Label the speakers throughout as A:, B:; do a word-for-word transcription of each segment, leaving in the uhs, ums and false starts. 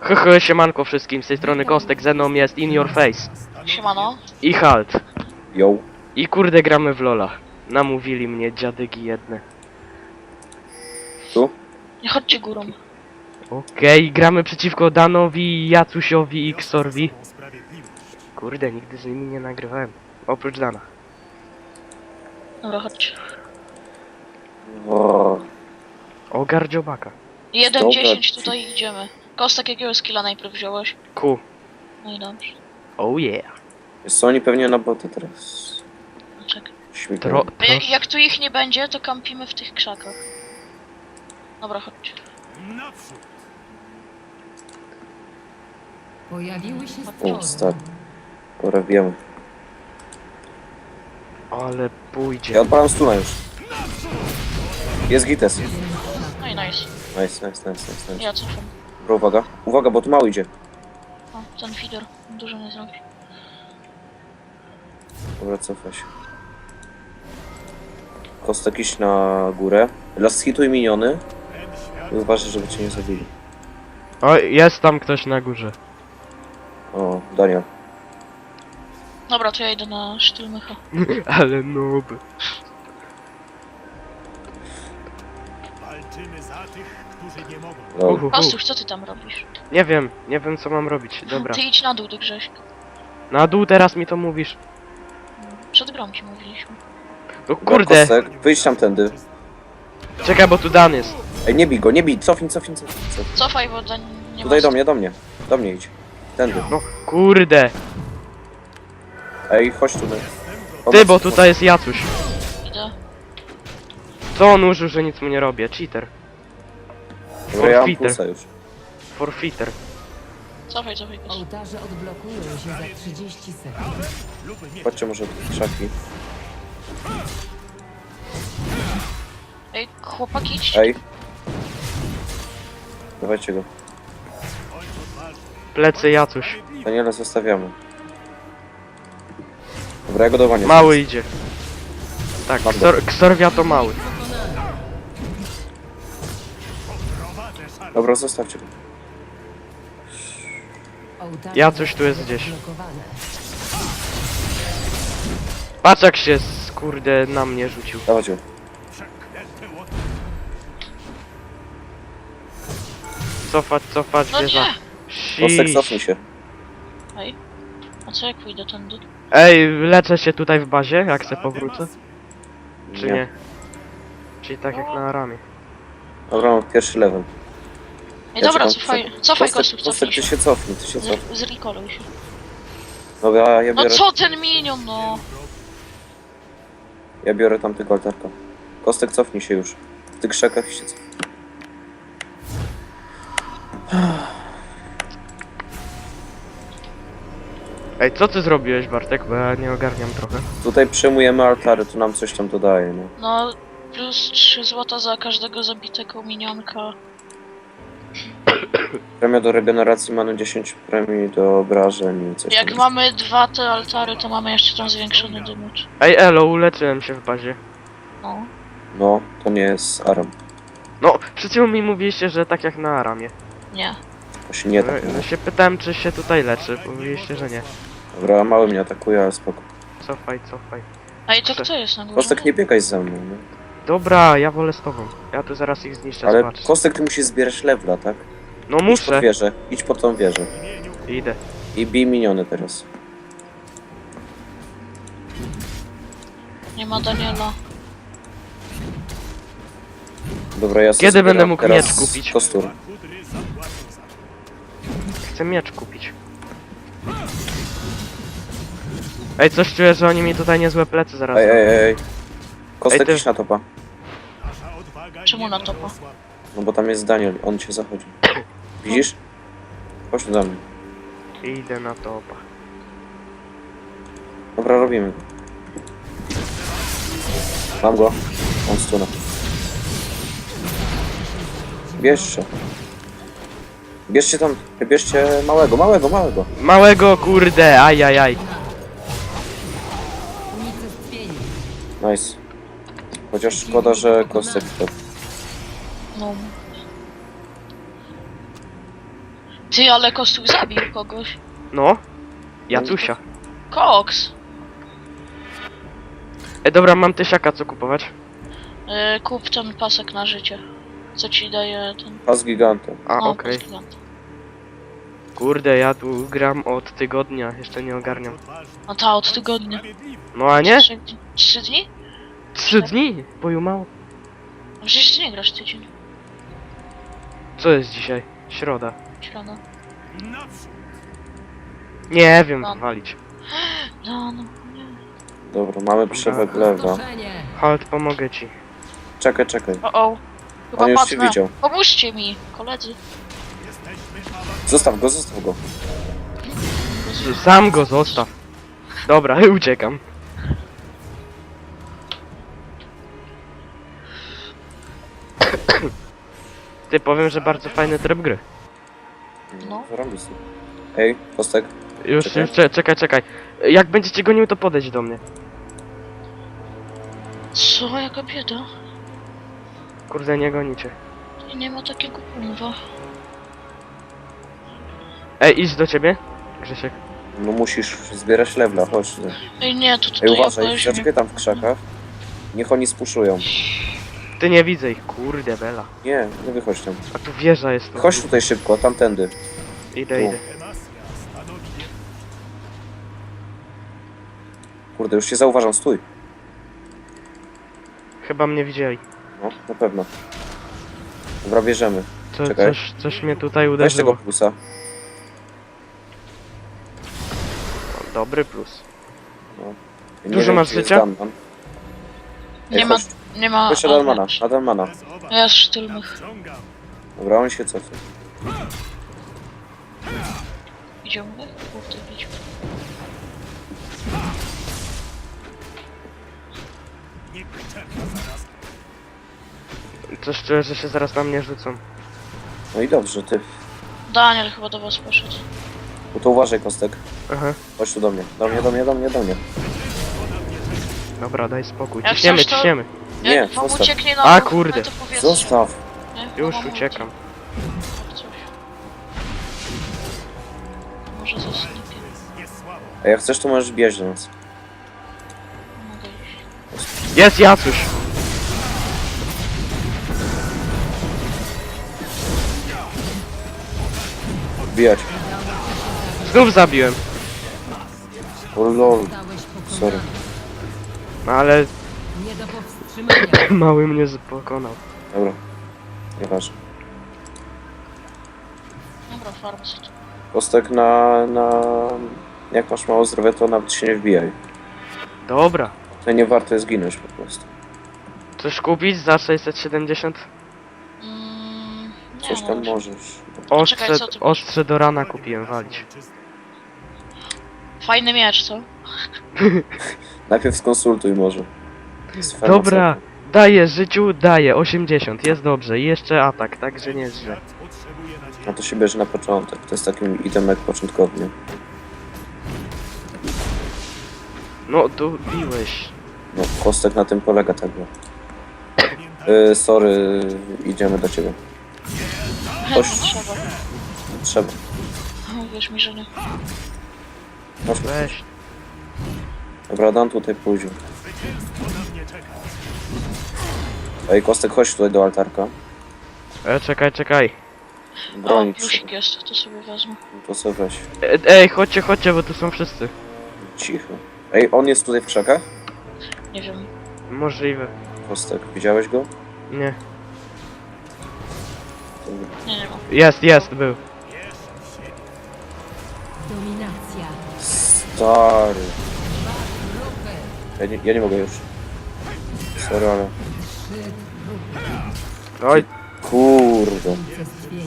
A: Hehe, siemanko wszystkim, z tej strony Kostek, ze mną jest In Your Face.
B: Siemano.
A: I Halt.
C: Yo.
A: I kurde gramy w Lola. Namówili mnie dziadygi jedne.
C: Tu?
B: Nie chodźcie górą.
A: Okej, gramy przeciwko Danowi, Jacusiowi i Xorwi. Kurde, nigdy z nimi nie nagrywałem. Oprócz Dana.
B: Dobra, chodźcie.
C: O,
A: O, gardziobaka.
B: jeden
C: Dobra,
B: dziesięć
C: ci-
B: tutaj idziemy. Kostek, jakiego skilla najpierw wziąłeś?
A: Ku.
B: No i dobrze.
A: Oh yeah.
C: wiesz co, oni pewnie na bota teraz
B: No czekaj.
C: śmigają.
A: Tro,
B: A jak,
A: tro...
B: jak tu ich nie będzie, to kampimy w tych krzakach. Dobra, chodźcie.
D: Pojawiły się
C: O,
D: stwory.
C: stary. Dobra, wiemy.
A: Ale pójdzie.
C: Ja odpalam stuna już. Jest gites. Nice,
B: No i nice.
C: nice, nice, nice, nice.
B: Ja cofam.
C: Dobra, uwaga. Uwaga, bo tu mało idzie.
B: O, ten feeder. Dużo nie zrobi.
C: Dobra, cofaj się. Kostek iść na górę. Last hituj miniony. I uważaj, żeby cię nie zabili.
A: O, jest tam ktoś na górze.
C: O, Daniel.
B: Dobra, to ja idę na sztyl mycha.
A: Ale noob.
E: Walczymy za tych, którzy nie mogą.
C: Dobra.
A: Uhuhu.
B: Kostuch, co ty tam robisz?
A: Nie wiem, nie wiem co mam robić. Dobra.
B: Ty idź na dół do Grześka.
A: Na dół teraz mi to mówisz.
B: Przed grą ci mówiliśmy.
A: No
C: Dobra,
A: kurde.
C: Kostek, wyjdź tamtędy.
A: Czekaj, bo tu Dan jest.
C: Ej, nie bij go, nie bij. Cofnij, cofnij, cofnij. cofnij.
B: Cofaj, bo do nie
C: Tutaj
B: ma...
C: do mnie, do mnie. Do mnie idź. Tędy.
A: No kurde.
C: Ej, chodź tu.
A: Ty, bo tutaj jest Jacuś.
B: Idę.
A: Co on użył, że nic mu nie robię? Cheater.
C: Dobra, ja mam
A: Forfeiter.
C: pulsa już.
A: Forfeiter.
B: Cofaj, cofaj, Kostuch.
D: Ołtarze odblokują się za trzydzieści sekund.
C: Chodźcie może do krzaki.
B: Ej, chłopaki, idź.
C: Ej. Dawajcie go.
A: Plecy Jacuś.
C: Daniela zostawiamy. Dobra, ja go dowanię.
A: Mały idzie. Tak,
C: Mam go.
A: Ksor, Ksorwia to mały.
C: Dobra, zostawcie go.
D: Ołtarze
A: Jacuś tu jest gdzieś.
D: odblokowane.
A: Patrz jak się kurde na mnie rzucił.
C: Dawać go.
A: Cofać, cofać,
B: No
A: wieża.
B: nie!
C: Kostek,
A: Shish.
C: cofnij się.
B: Ej. A co jak pójdę tędy?
A: Ej, leczę się tutaj w bazie, jak se powrócę? Czy nie? Czyli tak jak na Aramie.
C: Dobra, mam pierwszy level.
B: Ej,
C: Ja
B: dobra,
C: czekam,
B: cofaj,
C: czekam.
B: cofaj
C: Kostek,
B: Kostuch,
C: Kostek,
B: cofnij
C: ty
B: się.
C: się cofnij, ty się cofnij.
B: Z, zrecalluj się.
C: Dobra, ja
B: No
C: biorę,
B: co ten minion, no?
C: ja biorę tamtego altarka. Kostek, cofnij się już. W tych krzakach się cofnij.
A: Ej, co ty zrobiłeś, Bartek? Bo ja nie ogarniam trochę.
C: Tutaj przejmujemy altary, tu nam coś tam dodaje, no.
B: No, plus trzy złota za każdego zabitego minionka.
C: Premia do regeneracji manu dziesięć premii do obrażeń i coś
B: Jak
C: tam.
B: mamy dwa te altary, to mamy jeszcze tam zwiększony damage.
A: Ej, elo, uleczyłem się w bazie.
B: No.
C: No, to nie jest Aram.
A: No, przed chwilą mi mówiliście, że tak jak na Aramie.
B: Nie.
C: Właśnie nie tak.
A: No, się pytałem, czy się tutaj leczy. Mówiliście, że nie.
C: Dobra, mały mnie atakuje, ale spoko.
A: Cofaj, cofaj.
B: Ej, to kto jest na górze?
C: Kostek, nie biegaj za mną, no.
A: Dobra, ja wolę z tobą. Ja tu zaraz ich zniszczę,
C: Ale
A: zobacz.
C: Kostek, ty musisz zbierać levela, tak?
A: No
C: Idź pod
A: muszę.
C: wieżę, idź pod tą wieżę.
A: Idę.
C: I bij miniony teraz.
B: Nie ma Daniela.
C: Dobra, ja sobie
A: Kiedy będę
C: zbieram
A: mógł
C: teraz
A: miecz kupić?
C: Kostur.
A: Chcę miecz kupić. Ej, coś czuję, że oni mi tutaj niezłe plecy zaraz
C: Ej,
A: zrobią.
C: ej, ej. Kostek,
A: Ej, ty-
C: idź na topa.
B: Czemu na topa?
C: No bo tam jest Daniel, on cię zachodzi. Widzisz? Chodź tu do mnie.
A: Idę na topa.
C: Dobra, robimy go. Mam go. On stuna. Bierzcie. Bierzcie tam, bierzcie małego, małego, małego.
A: Małego, kurde, ajajaj.
D: Unicestwienie.
C: Nice. Chociaż szkoda, że Kostek to.
B: No. Ty, ale Kostuch zabił kogoś.
A: No. Jacusia.
B: Koks!
A: E, dobra, mam tysiaka, co kupować?
B: Yy, kup ten pasek na życie. Co ci daje ten...
C: Pas gigantem.
A: A,
B: no,
A: okej.
B: pas gigant.
A: Kurde, ja tu gram od tygodnia, jeszcze nie ogarniam.
B: No ta, od tygodnia.
A: No a nie?
B: Trzy, trzy dni?
A: Trzy dni? Boju mało.
B: No przecież ty nie grasz tydzień.
A: Co jest dzisiaj? Środa.
B: Środa.
E: Naprzód!
A: Nie wiem,
B: No.
A: walić.
B: No, no, nie.
C: Dobra, mamy przewag lewa.
D: Pustoszenie.
A: Halt, pomogę ci.
C: Czekaj, czekaj.
B: O, o. Chyba
C: On już cię
B: padnę.
C: widział.
B: Pomóżcie mi, koledzy.
E: Jesteśmy awansowani.
C: Zostaw go, zostaw go.
A: Sam go zostaw. Dobra, uciekam. Ty, powiem, że bardzo fajny tryb gry.
B: No.
C: Zarobisty. Ej, Kostek.
A: Już,
C: Czekaj.
A: już, cze- czekaj, czekaj. Jak będziecie gonił, to podejdź do mnie.
B: Co, jaka bieda?
A: Kurde, nie gonicie.
B: I nie ma takiego kurwa.
A: Ej, idź do ciebie, Grzesiek.
C: No musisz zbierać lewla, chodź. ty.
B: Ej, nie, to tutaj
C: Ej,
B: ja
C: uważaj,
B: weźmie.
C: zaczekaj tam w krzakach. Niech oni spuszują.
A: Ty nie widzę ich, kurde bela.
C: Nie, nie wychodź tam.
A: A tu wieża jest.
C: Chodź tutaj szybko, tamtędy.
A: Idę,
C: tu.
A: idę.
E: Demacja stanowi nie...
C: Kurde, już cię zauważam, stój.
A: Chyba mnie widzieli.
C: No, na pewno. Dobra, bierzemy.
A: Co,
C: Czekaj.
A: coś, coś mnie tutaj
C: Weź tego
A: uderzyło.
C: plusa.
A: O, dobry plus.
C: Nie
A: Dużo
C: wiem,
A: masz
C: czy jest
A: życia?
C: Danman. Ej,
B: Nie ma,
C: chodź,
B: nie ma...
C: chodź na
B: a,
C: Danmana,
B: nie.
C: na Danmana.
E: Bez obaw.
B: Ja z sztylnych.
E: Ciągam.
C: Dobra, on się cofnie.
B: Idziemy? Kurde, idź.
E: Nie czeka zaraz.
A: Coś czuję, że się zaraz na mnie rzucą.
C: No i dobrze, ty.
B: Daniel chyba do was poszedł.
C: No to uważaj, Kostek.
A: Aha.
C: Chodź tu do mnie. Do mnie, do mnie, do mnie, do mnie.
A: Dobra, daj spokój.
B: Jak
A: Ciśniemy,
B: coś, to-
A: ciśniemy.
C: Nie,
B: Jak wam
C: zostaw.
B: ucieknie na
A: A,
B: dół,
A: kurde.
B: to powiedzcie.
C: Zostaw.
B: Nie?
A: Już
B: Bo mam
A: uciekam.
B: ulti. Tak coś. Może ze snikiem.
E: Jest słabo.
C: A jak chcesz, to możesz biec do nas.
B: Mogę iść.
A: Jest Jacuś!
C: Bijać.
A: Znów zabiłem.
C: O lol.
D: Zostałeś
C: Sorry.
D: pokonany.
A: No ale
D: Nie do powstrzymania.
A: mały mnie pokonał.
C: Dobra. Nieważne.
B: Dobra, farm sobie tu.
C: Kostek na, na... Jak masz mało zdrowia, to nawet się nie wbijaj.
A: Dobra.
C: To nie warto jest ginąć po prostu.
A: Coś kupić za sześćset siedemdziesiąt?
B: Mm, nie
C: Coś tam
B: może.
C: możesz.
A: Ostrze,
B: Czekaj, co ty masz?
A: ostrze do rana kupiłem walić.
B: Fajny miecz, co?
C: Najpierw skonsultuj może. Z
A: Dobra,
C: farmaceutą.
A: daję życiu, daję osiemdziesiąt, jest dobrze. I jeszcze atak, także nie jest źle.
E: Świat potrzebuje nadziei.
C: A to się bierze na początek. To jest takim itemek początkowy. nie?
A: No, tu biłeś.
C: No, Kostek na tym polega tak. no.
E: Pamiętaj,
C: Yy, sorry, idziemy do ciebie.
B: Chętnie
C: Oś.
B: trzeba.
C: Trzeba.
B: Wierz mi, że nie.
C: Masz
A: Weź.
C: Dobra, Dan tutaj pójdzie.
E: zwycięstwo na mnie czeka.
C: Ej, Kostek, chodź tutaj do altarka.
A: E, czekaj, czekaj.
B: O,
C: Bronić się.
B: plusik jest, to sobie wezmę.
C: To sobie weź.
A: E, ej, chodźcie, chodźcie, bo tu są wszyscy.
C: Cicho. Ej, on jest tutaj w krzakach?
B: Nie wiem.
A: Możliwe.
C: Kostek, widziałeś go?
A: Nie.
B: Nie, nie ma.
A: Jest, jest, był.
D: Dominacja.
C: Stary.
D: Grupy.
C: Ja nie, ja nie mogę już. Sorry, ale...
D: Trzy grupy.
A: Oj,
C: Kurde.
D: Unicestwienie.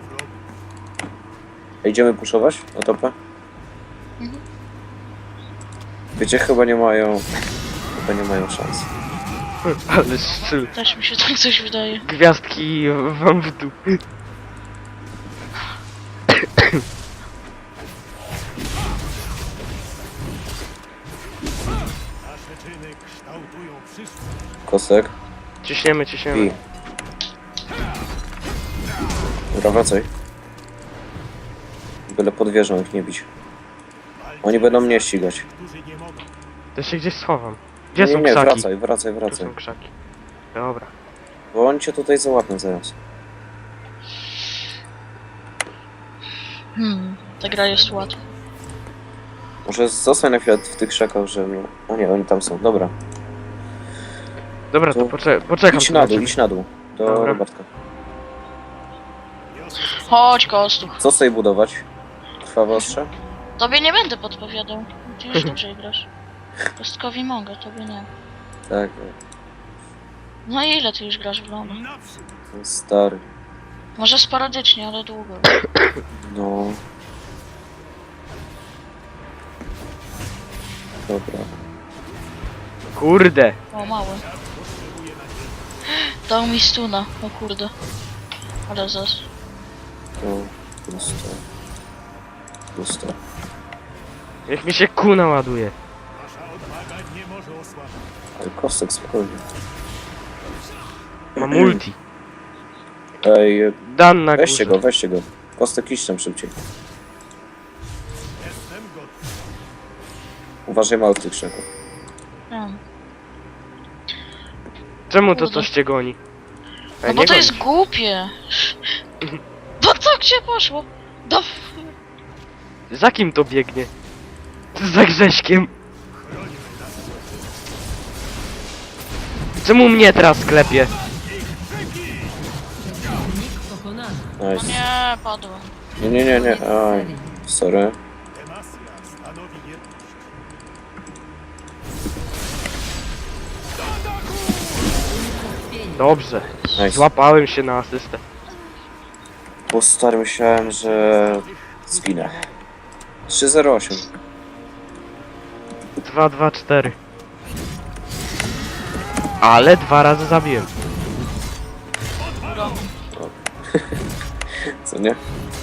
C: Ej, idziemy puszować na topę?
B: Mhm.
C: Wiecie, chyba nie mają... Chyba nie mają szans.
A: ale szczyl.
B: Też mi się tak coś wydaje.
A: Gwiazdki wam w dół.
E: Nasze czyny kształtują przyszłość.
C: Kostek?
A: Ciśniemy,
C: I...
A: ciśniemy.
C: Dobra, wracaj. Byle pod wieżą ich nie bić. Oni będą mnie ścigać.
E: Którzy nie mogą.
A: To się gdzieś schowam. Gdzie
C: Nie,
A: są
C: nie,
A: krzaki?
C: wracaj, wracaj,
A: Tu
C: wracaj.
A: są krzaki. Dobra.
C: Bo oni cię tutaj załapią zaraz.
B: Hmm, ta gra jest łatwa.
C: Może zostań na chwilę w tych krzakach, że mnie... O nie, oni tam są, dobra.
A: Dobra, to
C: To
A: pocze poczekam
C: Idź
A: tu
C: na
A: na
C: dół,
A: ciebie.
C: idź na dół. Do
A: Dobra.
C: robatka.
B: Chodź, Kostuch.
C: Co sobie budować? Krwawe ostrze?
B: Tobie nie będę podpowiadał. Ty już dobrze grasz. Kostkowi mogę, tobie nie.
C: Tak,
B: No i ile ty już grasz w LoL?
E: Naprzód.
C: ten stary.
B: Może sporadycznie, ale długo.
C: No. Dobra.
A: Kurde.
B: O, mały. Dał mi stuna, o kurde. Ale zas.
C: To pusto. Pusto.
A: Niech mi się kuna ładuje.
E: Wasza odwaga nie może osłabić.
C: Ale kostek spokojnie.
A: Mam ulti.
C: Ej,
A: Dan na
C: weźcie
A: górze.
C: go, weźcie go. Kostek iść tam szybciej.
E: Jestem gotów.
C: Uważaj mało w tych krzakach.
B: Hmm.
A: Czemu to
B: Kurde.
A: coś cię goni?
B: No
A: Ej,
B: bo
A: nie
B: to
A: goni
B: jest
A: się.
B: głupie. Bo co gdzie poszło? Do...
A: Za kim to biegnie? Za Grześkiem. Czemu mnie teraz klepie?
D: Przeciwnik pokonany.
B: No
C: Nice.
B: nie, padłem.
C: Nie, nie, nie, nie. Aj, sorry.
E: Demacja stanowi jedność.
A: Dobrze.
C: Nice.
A: Złapałem się na asystę.
C: Bo stary myślałem, że zginę. trzy zero osiem.
A: dwa dwa cztery. Ale dwa razy zabiłem.
C: Co nie?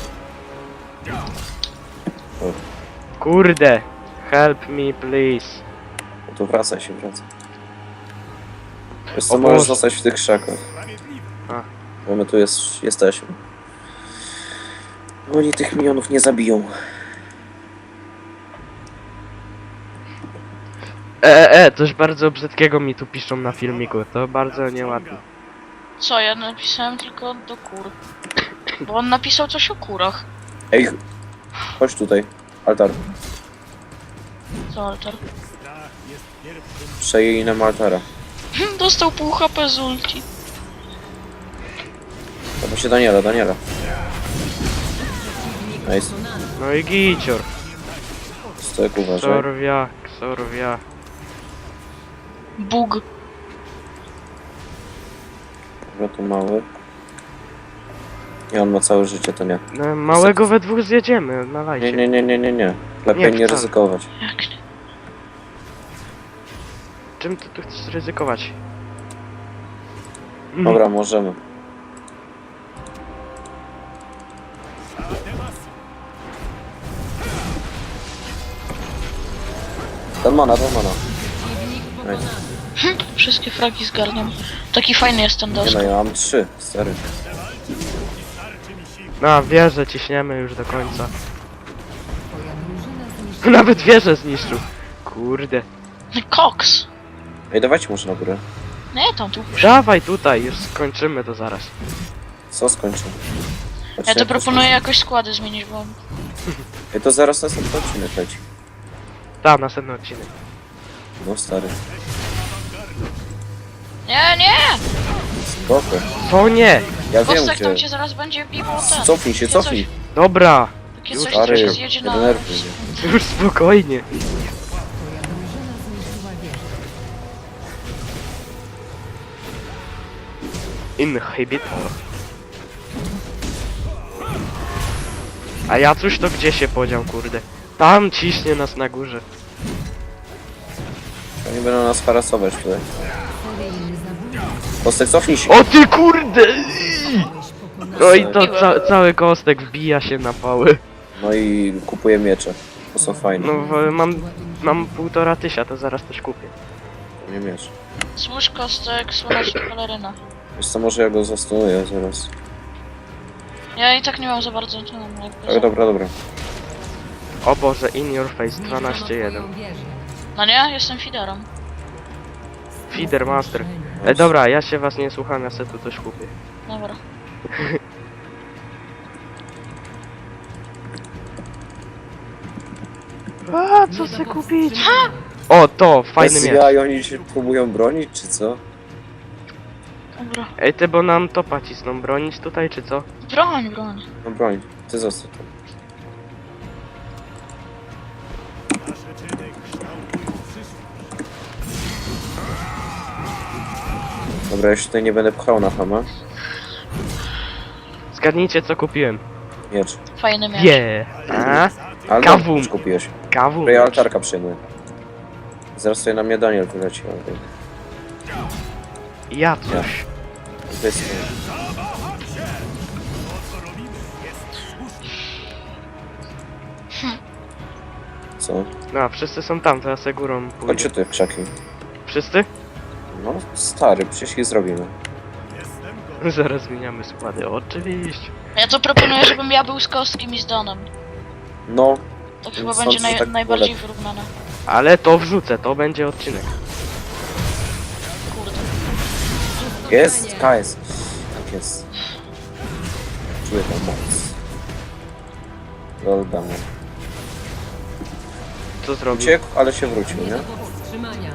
A: Kurde. Help me please.
C: No to wracaj się, wracaj. Wiesz
A: O
C: co, możesz
A: Boże.
C: zostać w tych krzakach.
E: Sprawiedliwe.
A: A.
C: Bo my tu jest, jesteśmy. Oni tych milionów nie zabiją.
A: E, e, e, coś bardzo brzydkiego mi tu piszą na filmiku. To bardzo nieładne.
B: Co, ja napisałem tylko do kur. Bo on napisał coś o kurach.
C: Ej, chodź tutaj. Altar.
B: Co, altar?
E: Strach jest pierwszym.
C: Przejęli nam altara.
B: Dostał pół H P z ulti.
C: To się Daniela, Daniela. Nice.
D: Pokonany.
A: No i gicior.
C: Stojek uważaj.
A: Sorwia, sorwia.
B: Bóg.
C: Dobra, to mały. I on ma całe życie, to nie.
A: No, małego we dwóch zjedziemy na
C: Nie,
A: lajcie.
C: nie, nie, nie, nie, nie. Lepiej
A: Nie,
C: nie
A: wcale.
C: ryzykować.
B: Jak nie?
A: Czym ty tu chcesz ryzykować?
C: Dobra, możemy.
E: Za demację.
C: Dan mana, dan mana.
D: Przeciwnik pokonany.
B: Wszystkie fragi zgarniam. Taki fajny jest ten
C: Nie no,
B: dosk.
C: ja mam trzy, stary.
E: Starczy mi sił.
A: Na wieżę ciśniemy już do końca.
D: Twoja drużyna zniszczyła.
A: Nawet wieżę zniszczył. Kurde.
B: Koks.
C: Ej, dawajcie może na górę.
B: Nie, tam tu.
A: Dawaj tutaj, już skończymy to zaraz.
C: Co skończę?
B: Ja to proponuję jakoś składy zmienić, bo...
C: Ej, to zaraz następny odcinek leci.
A: Ta, następny odcinek.
C: No stary.
B: Nie, nie!
C: Spoko.
A: Co nie?
C: Ja wiem
B: Kostek tam
C: gdzie.
B: cię zaraz będzie biwał ten.
C: Cofnij się,
B: Takie
C: cofnij.
B: coś-
A: Dobra,
B: Takie
A: Już,
B: coś, co
C: Stary,
B: się
C: nie
B: zjedzie na...
C: denerwuj mnie.
A: już spokojnie.
D: Twoja drużyna zniszczyła wieżę.
A: Inhibitor. A ja cóż to gdzie się podział, kurde? Tam ciśnie nas na górze.
C: Oni będą nas harasować tutaj.
D: Seryjny zabójca.
C: Kostek, cofnij się.
A: O ty kurde!
D: Zostałeś pokonany.
A: No i to ca cały kostek wbija się na pały.
C: No i kupuję miecze. To są fajne.
A: No w, mam, mam półtora tysia, to zaraz też kupię.
C: Nie miecz.
B: Słysz kostek, słoneczna peleryna.
C: Wiesz co, może ja go zastanuję zaraz.
B: Ja i tak nie mam za bardzo... To, jakby
C: Ale dobra, dobra.
A: O Boże, in your face,
D: Zniszczono
A: dwanaście jeden.
D: twoją wieżę.
B: No nie, jestem fiderem.
A: Feeder master. E, dobra, ja się was nie słucham, ja se tu coś kupię.
B: Dobra.
A: A, co se kupić? O, to, fajny
C: Bez
A: miecz.
C: ja i oni się próbują bronić, czy co?
B: Dobra.
A: Ej, ty, bo nam topa cisną, bronić tutaj, czy co?
B: Broń, broń.
C: No broń, ty zostaw tam.
E: Nasze czyny kształtują przyszłość.
C: Dobra, ja się tutaj nie będę pchał na hama.
A: Zgadnijcie, co kupiłem.
C: Miecz.
B: Fajny miecz.
A: Je. A?
C: Ale
A: Kawum.
C: no, kupiłeś.
A: Kawu.
C: Dobra, ja altarka przyjmuję. Zaraz tutaj na mnie Daniel wyleci. ale
A: Ja coś.
C: To jest... Co?
A: No, a wszyscy są tam, to ja se górą pójdę.
C: Chodźcie tutaj w krzaki.
A: Wszyscy?
C: No, stary, przecież ich zrobimy.
E: Jestem gotów.
A: Zaraz zmieniamy składy, oczywiście.
B: Ja to proponuję, żebym ja był z Kostkiem i z Danem.
C: No,
B: To chyba
C: Sądzę,
B: będzie
C: że
B: naj,
C: tak
B: najbardziej
C: było
B: wyrównane.
A: Ale to wrzucę, to będzie odcinek.
B: Kurde.
C: jest, K jest. Tak jest. Czuję tę moc. Lol,
A: Co zrobił?
C: Uciekł, ale się wrócił,
D: Nie
C: nie?
D: do powstrzymania.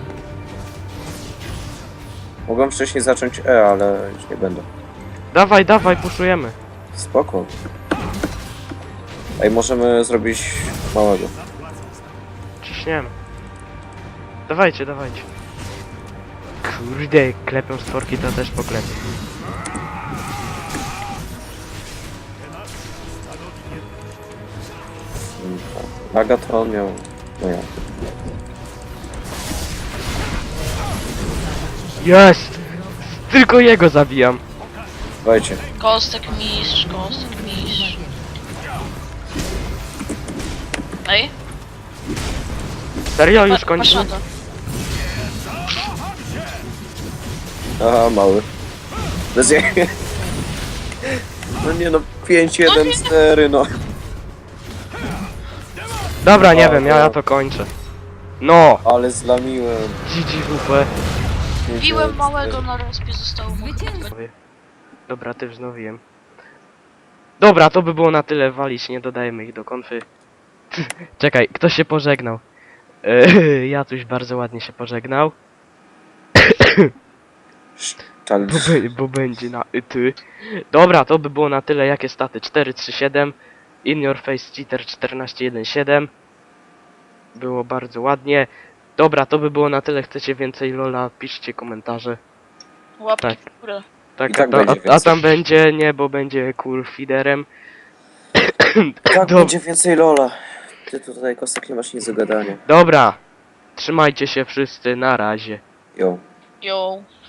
C: Mogłem wcześniej zacząć E, ale już nie będę.
A: Dawaj, dawaj, puszujemy.
C: Spoko. Ej, możemy zrobić małego.
A: Ciśniemy. Dawajcie, dawajcie. Kurde, klepią stworki, to też poklepię.
C: Agaton miał... No ja.
A: Jest! Tylko jego zabijam.
C: Dawajcie.
B: Kostek mistrz, kostek mistrz. Ej,
A: Serio, już
B: pa-
A: kończymy?
B: patrz na to.
C: Aha, mały. Bez jej. No nie no, pięć jeden cztery no.
A: Dobra, nie
C: O,
A: wiem, ja,
C: no.
A: ja to kończę. No!
C: Ale zlamiłem.
A: G G W P.
C: pięć
B: Biłem
C: jeden
B: małego
C: cztery.
B: na respie, zostało mu chyba
D: Zwycięstwo.
A: Dobra, ty wznowiłem. Dobra, to by było na tyle, walić, nie dodajemy ich do konfy. Czekaj, kto się pożegnał? Eee, ja coś bardzo ładnie się pożegnał.
C: Czal...
A: Bo, be, bo będzie na y, ty. Dobra, to by było na tyle. Jakie staty? cztery trzy siedem. In your face cheater czternaście jeden siedem. Było bardzo ładnie. Dobra, to by było na tyle. Chcecie więcej Lola? Piszcie komentarze.
B: łapki
A: Tak.
B: w górę.
A: Tak,
C: I tak
A: a,
C: będzie
A: a, a
C: więcej.
A: tam będzie nie, bo będzie cool feederem.
C: Tak,
A: Dob-
C: będzie więcej Lola. Ty tutaj, Kostek, nie masz nic do gadania.
A: Dobra. Trzymajcie się wszyscy, na razie.
C: Jo.
B: Yo.